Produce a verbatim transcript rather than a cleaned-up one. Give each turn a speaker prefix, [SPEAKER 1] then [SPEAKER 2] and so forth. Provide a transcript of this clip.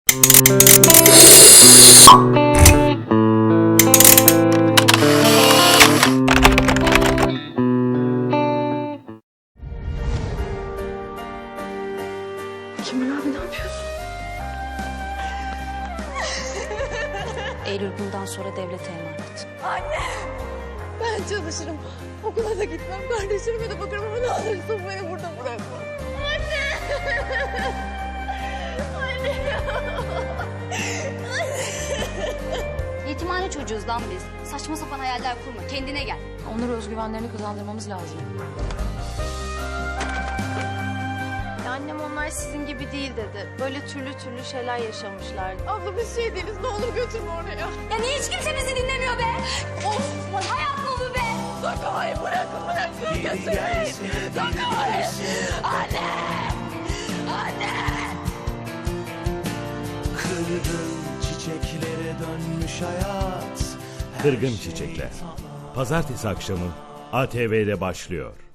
[SPEAKER 1] Kemal abi ne yapıyorsun?
[SPEAKER 2] Eylül bundan sonra devlete emanet.
[SPEAKER 1] Anne! Ben çalışırım. Okula da gitmem. Kardeşlerime de bakarım ama ne olursun beni burada bırakma. Anne! Anne!
[SPEAKER 2] Yetimhane çocuğuz lan biz. Saçma sapan hayaller kurma. Kendine gel.
[SPEAKER 3] Onlara özgüvenlerini kazandırmamız lazım.
[SPEAKER 1] Annem onlar sizin gibi değil dedi. Böyle türlü türlü şeyler yaşamışlar. Abla biz şey değiliz. Ne olur götürme oraya.
[SPEAKER 2] Ya niye hiç kimse bizi dinlemiyor be? Of! Hayat mı bu be?
[SPEAKER 1] Dokunmayın bırakın bırakın götürmeyin. Dokunmayın. Anne! Anne!
[SPEAKER 4] Kırgın çiçeklere dönmüş hayat.
[SPEAKER 5] Kırgın Çiçekler. Pazartesi akşamı A T V'de başlıyor.